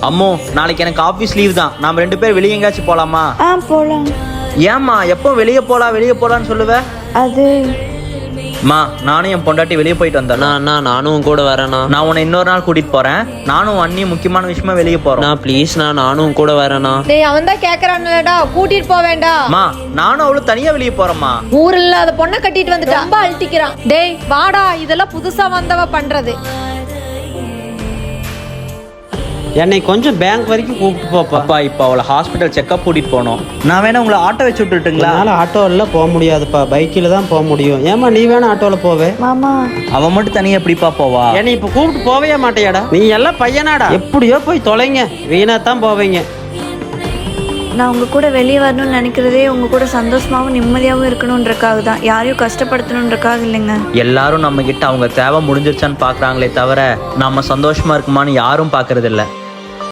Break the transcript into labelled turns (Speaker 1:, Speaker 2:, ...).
Speaker 1: அம்மோ, நாளைக்கு எனக்கு ஆஃபீஸ் லீவ் தான். நாம 2 பேர் வெளியே எங்கேயாச்சும் போலாமா?
Speaker 2: போலாம்.
Speaker 1: ஏம்மா எப்போ வெளியே போலான்னு சொல்லுவ?
Speaker 2: அது
Speaker 1: மா, நானும் என் பொண்டாட்டி வெளியே போயிட்டு வந்தேன்.
Speaker 3: நானும் கூட வரேண்ணா.
Speaker 1: நான் உன்னை இன்னொரு நாள் கூட்டிட்டு போறேன். நானும் அண்ணி முக்கியமான விஷயமா வெளியே போறோம்.
Speaker 3: ப்ளீஸ் நானும் கூட வரேண்ணா.
Speaker 4: டேய், அவன் தான் கேக்குறான்லடா, கூட்டிட்டு போக வேண்டாம்.
Speaker 1: மா, நானும் அவளும் தனியா வெளியே போறோம்மா.
Speaker 4: ஊர் இல்லாத பொண்ணை கட்டிட்டு வந்துட்டு ரொம்ப அழட்டிக்கிறான். டேய் வாடா, இதெல்லாம் புதுசா வந்தவ பண்றது.
Speaker 3: என்னை கொஞ்சம் பேங்க் வரைக்கும் கூப்பிட்டு போப்பா.
Speaker 1: அப்பா, இப்போ அவளை ஹாஸ்பிட்டல் செக்அப் கூட்டிட்டு போனோம். நான் வேணா உங்களை ஆட்டோ வச்சு விட்டுட்டுங்களா?
Speaker 3: அதனால ஆட்டோவில் போக முடியாதுப்பா, பைக்கில் தான் போக முடியும். ஏமா நீ வேணா ஆட்டோவில் போவே?
Speaker 2: மாமா,
Speaker 1: அவன் மட்டும் தனியா எப்படிப்பா போவா?
Speaker 3: என்னை இப்போ கூப்பிட்டு போவே மாட்டேயாடா? நீ எல்லாம் பையனாடா, எப்படியோ போய் தொலைங்க, வீணா தான் போவீங்க.
Speaker 2: நான் உங்க கூட வெளியே வரணும்னு நினைக்கிறதே உங்க கூட சந்தோஷமாவும் நிம்மதியாகவும் இருக்கணும்ன்றக்காக தான், யாரையும் கஷ்டப்படுத்தணுன்றக்காக இல்லைங்க.
Speaker 1: எல்லாரும் நம்ம கிட்ட அவங்க தேவை முடிஞ்சிருச்சான்னு பாக்குறாங்களே தவிர நம்ம சந்தோஷமா இருக்குமான்னு யாரும் பாக்குறது இல்ல.